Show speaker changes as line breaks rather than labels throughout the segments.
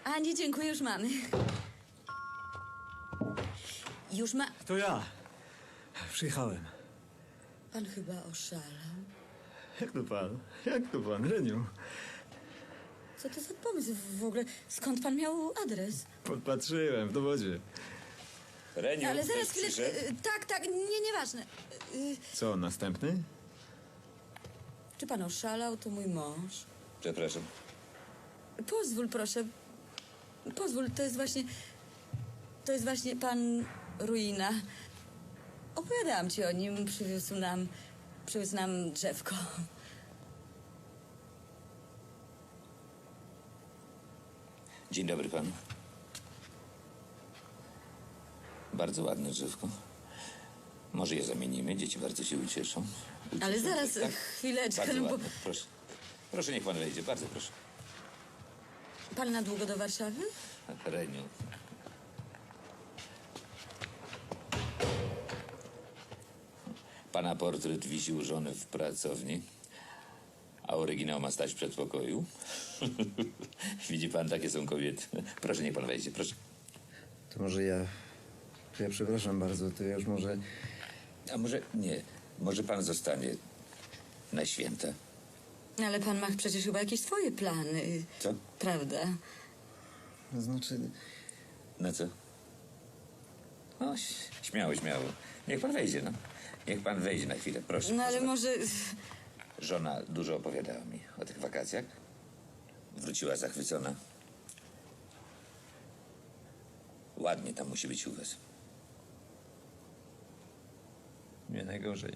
A nie, dziękuję, już mamy. Już ma...
To ja. Przyjechałem.
Pan chyba oszalał.
Jak to pan? Jak to pan, Reniu?
Co to za pomysł w ogóle? Skąd pan miał adres?
Podpatrzyłem w dowodzie.
Reniu,
Ale zaraz
ktoś
chwilę...
przyszedł?
Tak, nieważne.
Co, następny?
Czy pan oszalał? To mój mąż.
Przepraszam.
Pozwól, proszę. Pozwól, to jest właśnie... To jest właśnie pan Ruina. Opowiadałam ci o nim, przywiózł nam drzewko.
Dzień dobry panu. Bardzo ładne drzewko. Może je zamienimy, dzieci bardzo się ucieszą.
Ale zaraz,
Tak?
chwileczkę,
Bardzo
no bo...
ładne, proszę. Proszę, niech pan wejdzie, bardzo proszę.
Pan na długo do Warszawy?
Reniu. Pana portret wisi u żony w pracowni, a oryginał ma stać w przedpokoju. Widzi pan, takie są kobiety. Proszę, niech pan wejdzie, proszę.
To może ja... To ja przepraszam bardzo, to ja już może...
A może nie, może pan zostanie na święta.
Ale pan ma przecież chyba jakieś swoje plany.
Co?
Prawda?
To znaczy...
Na co? No, śmiało, śmiało. Niech pan wejdzie, no. Niech pan wejdzie na chwilę, proszę.
No ale
proszę.
może...
Żona dużo opowiadała mi o tych wakacjach. Wróciła zachwycona. Ładnie tam musi być u was.
Nie najgorzej.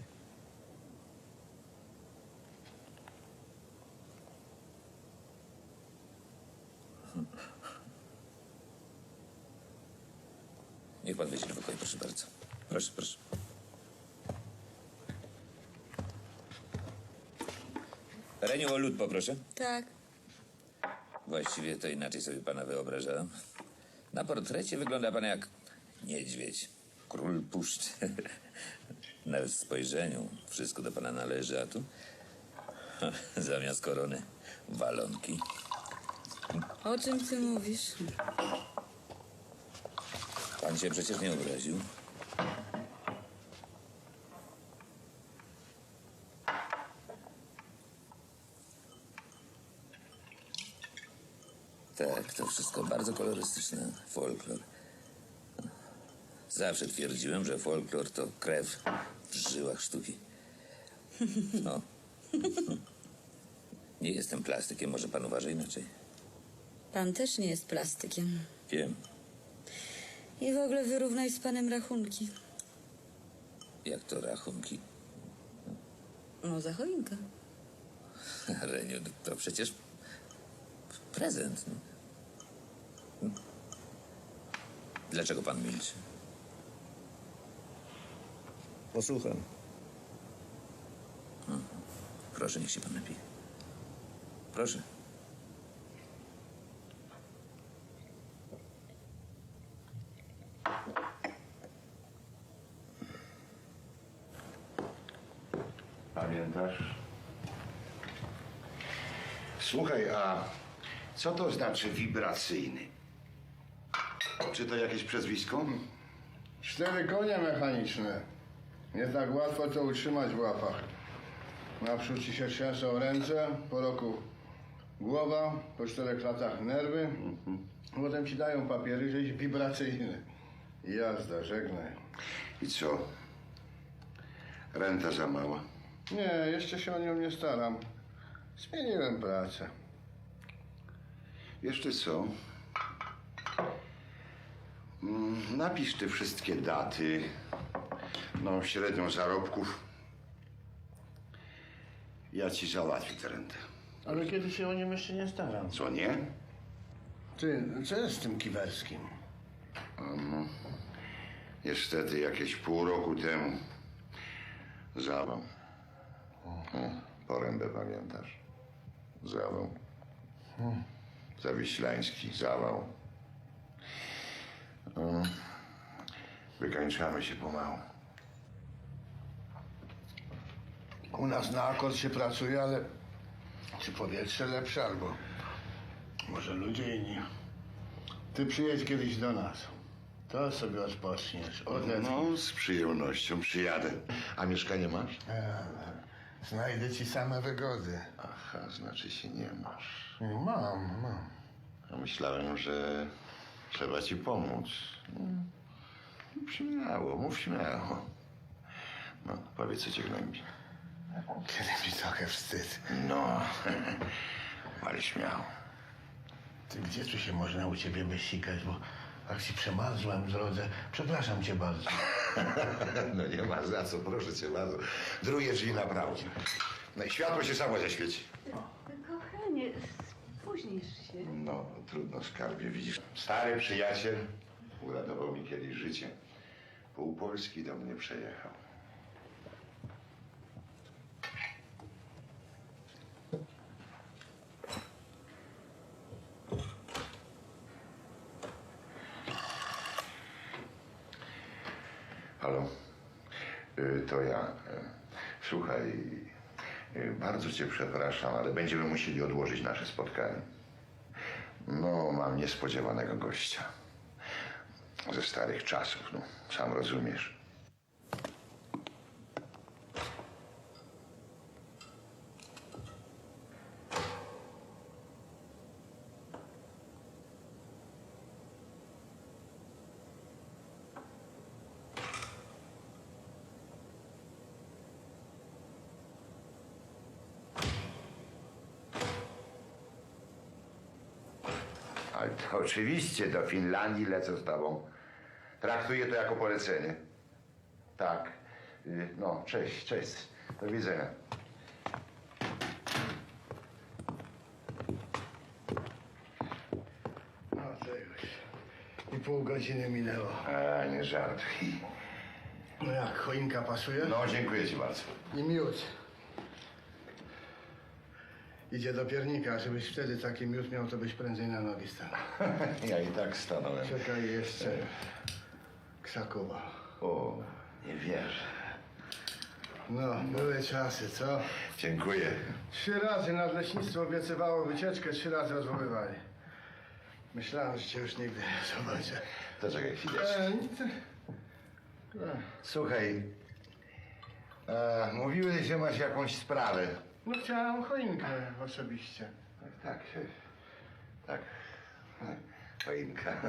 Niech pan wejdzie do pokoju, proszę bardzo. Proszę, proszę. Reniu, o lód poproszę.
Tak.
Właściwie to inaczej sobie pana wyobrażałem. Na portrecie wygląda pan jak niedźwiedź, król puszczy. Nawet w spojrzeniu wszystko do pana należy, a tu zamiast korony walonki.
O czym ty mówisz?
Pan się przecież nie obraził. Tak, to wszystko bardzo kolorystyczne. Folklor. Zawsze twierdziłem, że folklor to krew w żyłach sztuki. No. Nie jestem plastykiem, może pan uważa inaczej.
Pan też nie jest plastykiem.
Wiem.
I w ogóle wyrównaj z panem rachunki.
Jak to rachunki?
No, za choinkę.
Reniu, to przecież prezent. No. Dlaczego pan milczy?
Posłucham.
Proszę, niech się pan napije. Proszę.
Pamiętasz? Słuchaj, a co to znaczy wibracyjny? Czy to jakieś przezwisko?
4 konie mechaniczne. Nie tak łatwo to utrzymać w łapach. Naprzód ci się trzęsą ręce, po roku głowa, po 4 latach nerwy. Potem ci dają papiery, że jest wibracyjny. Jazda, żegnaj.
I co? Renta za mała.
Nie, jeszcze się o nią nie staram. Zmieniłem pracę.
Jeszcze co? Napisz te wszystkie daty, no średnią zarobków. Ja ci załatwię tę rentę.
Ale kiedy się o nią jeszcze nie staram?
Co nie?
Ty, co jest z tym Kiwerskim?
Niestety jakieś pół roku temu zawał. Porębę pamiętasz? Zawał. Zawiślański zawał. Wykańczamy się pomału.
U nas na akord się pracuje, ale czy powietrze lepsze, albo może ludzie inni. Ty przyjedź kiedyś do nas. To sobie odpoczniesz.
No, z przyjemnością przyjadę. A mieszkanie masz?
Znajdę ci same wygody.
Aha, znaczy się nie masz.
Mam.
Ja myślałem, że trzeba ci pomóc. Mów śmiało. No, powiedz, co cię gnębi.
Kiedy mi trochę wstyd.
No, ale śmiało.
Ty gdzie tu się można u ciebie wysikać, bo jak ci przemarzłem w drodze. Przepraszam cię bardzo.
No nie ma za co, proszę cię bardzo. Drugie drzwi naprawdę. No i światło się samo zaświeci.
Kochanie, spóźnisz się.
No, trudno, skarbie, widzisz. Stary przyjaciel uratował mi kiedyś życie. Pół Polski do mnie przejechał. Halo? To ja. Słuchaj, bardzo cię przepraszam, ale będziemy musieli odłożyć nasze spotkanie. No, mam niespodziewanego gościa. Ze starych czasów, no, sam rozumiesz. Ale to oczywiście do Finlandii lecę z tobą. Traktuję to jako polecenie. Tak. No, cześć. Do widzenia.
No to już. I pół godziny minęło.
A, nie żartuj.
No jak, choinka pasuje?
No, dziękuję ci bardzo.
I miód. Idzie do piernika, żebyś wtedy taki miód miał, to byś prędzej na nogi stanął.
Ja i tak stanąłem.
Czekaj jeszcze. Krzakowa.
O, nie wierzę.
No, były czasy, co?
Dziękuję.
3 razy nadleśnictwo obiecywało wycieczkę, 3 razy odwoływali. Myślałem, że cię już nigdy nie zobaczę.
To czekaj chwileczkę. Słuchaj, mówiłeś, że masz jakąś sprawę.
No chciałem choinkę osobiście.
Tak. Choinka.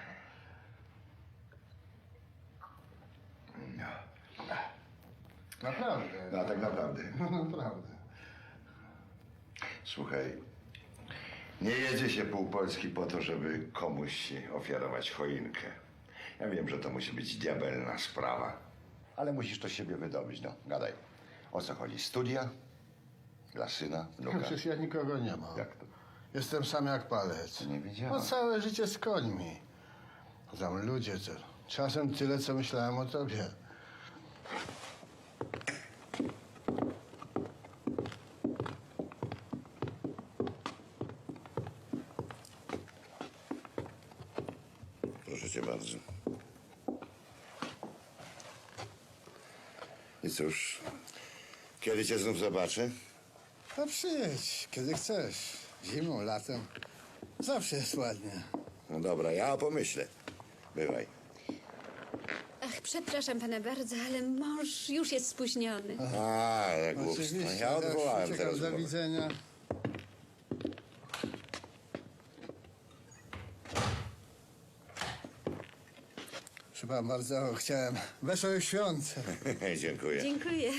No.
Naprawdę.
No, tak naprawdę.
No, naprawdę.
Słuchaj, nie jedzie się pół Polski po to, żeby komuś ofiarować choinkę. Ja wiem, że to musi być diabelna sprawa, ale musisz to z siebie wydobyć, no. Gadaj. O co chodzi? Studia? Dla syna? Wnuka?
Przecież ja nikogo nie mam.
Jak to?
Jestem sam jak palec.
Nie wiedziałem.
No całe życie z końmi. Tam ludzie, to czasem tyle, co myślałem o tobie.
Proszę cię bardzo. I cóż, kiedy cię znów zobaczę?
No przyjedź, kiedy chcesz. Zimą, latem. Zawsze jest ładnie.
No dobra, ja pomyślę. Bywaj.
Ach, przepraszam pana bardzo, ale mąż już jest spóźniony.
A, jak głupstwo.
Oczywiście.
Ja odwołałem
Uciekam,
teraz.
do
rozmowę.
widzenia. Przepraszam bardzo, chciałem wesołych świąt.
Dziękuję.
Dziękuję.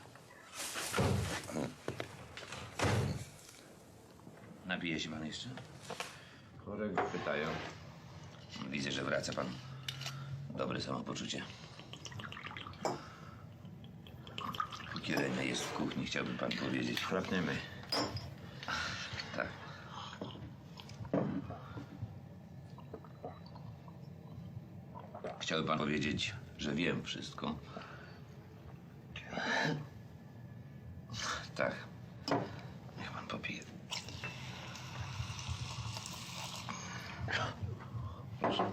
Napije się pan jeszcze?
Chorego pytają.
Widzę, że wraca pan. Dobre samopoczucie. Póki René jest w kuchni, chciałbym pan powiedzieć.
Chrapniemy.
Tak. Chciałby pan powiedzieć, że wiem wszystko. Tak. Niech pan popije. Proszę.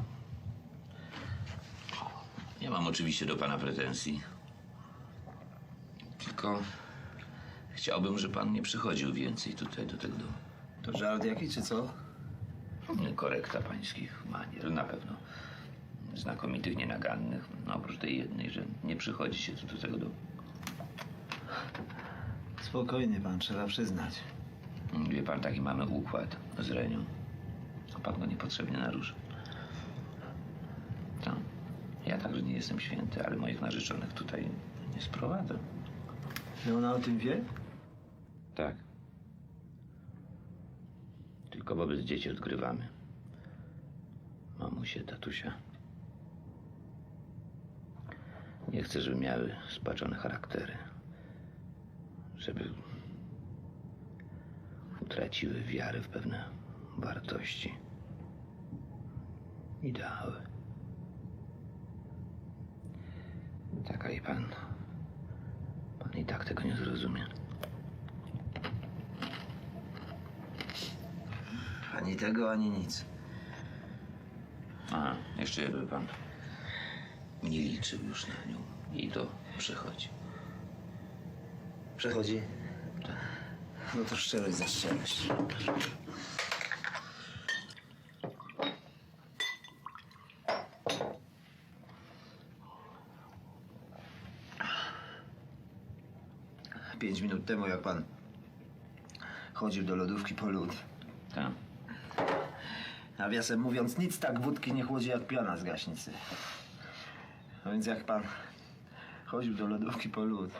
Nie mam oczywiście do pana pretensji. Tylko chciałbym, żeby pan nie przychodził więcej tutaj do tego domu.
To żart jaki, czy co?
Korekta pańskich manier, na pewno. Znakomitych, nienagannych. No, oprócz tej jednej, że nie przychodzi się tu do tego domu.
Spokojnie pan, trzeba przyznać.
Wie pan, taki mamy układ z Renią. A pan go niepotrzebnie narusza. No, ja także nie jestem święty, ale moich narzeczonych tutaj nie sprowadzę.
I ona o tym wie?
Tak. Tylko wobec dzieci odgrywamy. Mamusie, tatusia. Nie chcę, żeby miały spaczone charaktery. Żeby utraciły wiarę w pewne wartości. Ideały. Tak, ale pan i tak tego nie zrozumie.
Ani tego, ani nic.
A, jeszcze jakby pan nie liczył już na nią. I to przychodzi.
Przechodzi? No to szczerość za szczerość. Pięć minut temu, jak pan chodził do lodówki po lód.
Tak.
Nawiasem mówiąc, nic tak wódki nie chłodzi jak piana z gaśnicy. No więc jak pan chodził do lodówki po lód,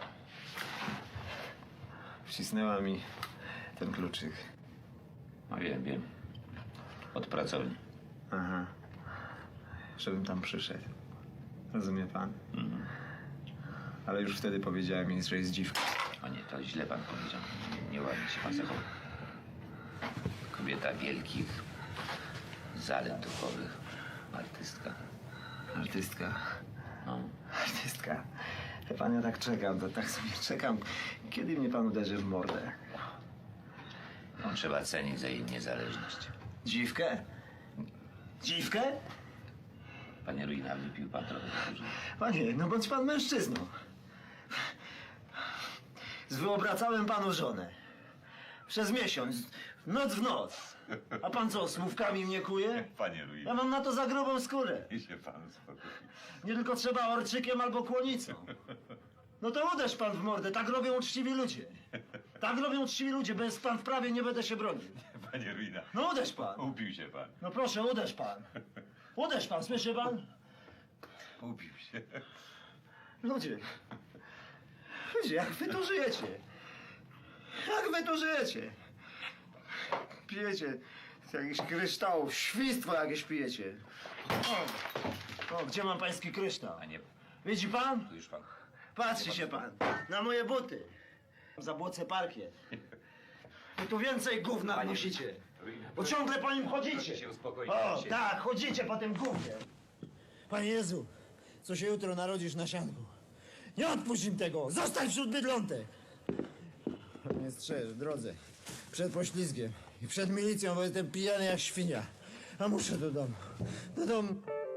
wcisnęła mi ten kluczyk.
No wiem. Od pracowni.
Aha. Żebym tam przyszedł. Rozumie pan? Ale już wtedy powiedziałem jej, że jest dziwka.
O nie, to źle pan powiedział. Nieładnie się pan zachował. Kobieta wielkich zalet duchowych. Artystka.
Artystka.
No.
Artystka. Wie pan, ja tak czekam, to tak sobie czekam. Kiedy mnie pan uderzy w mordę?
No, trzeba cenić za jej niezależność.
Dziwkę? Dziwkę?
Panie Ruina, wypił pan trochę za dużo.
Panie, no bądź pan mężczyzną. Zwyobracałem panu żonę. Przez miesiąc, noc w noc. A pan co, słówkami mnie kuje?
Panie Louis,
Ja mam na to za grubą skórę.
niech się pan spokoi.
Nie tylko trzeba orczykiem albo kłonicą. No to uderz pan w mordę, tak robią uczciwi ludzie. Tak robią uczciwi ludzie, bez pan w prawie nie będę się bronił.
Panie Ruina,
No uderz pan.
upił się pan.
No proszę, uderz pan. Uderz pan, słyszy pan?
Upił się.
Ludzie, jak wy tu żyjecie? Jak wy tu żyjecie? Pijecie z jakichś kryształów, świństwo jakieś pijecie. O, gdzie mam pański kryształ?
A nie,
Widzi pan?
tu już pan.
Patrzy się pan na moje buty. Zabłocę parkiet. Wy tu więcej gówna nosicie. Bo ciągle po nim chodzicie.
Proszę się uspokoić,
O,
pan się-
tak, chodzicie po tym gównie. Panie Jezu, co się jutro narodzisz na sianku? Nie odpuść im tego! Zostań wśród bydlątek! Nie strzeż w drodze. Przed poślizgiem i przed milicją, bo jestem pijany jak świnia. A muszę do domu. Do domu.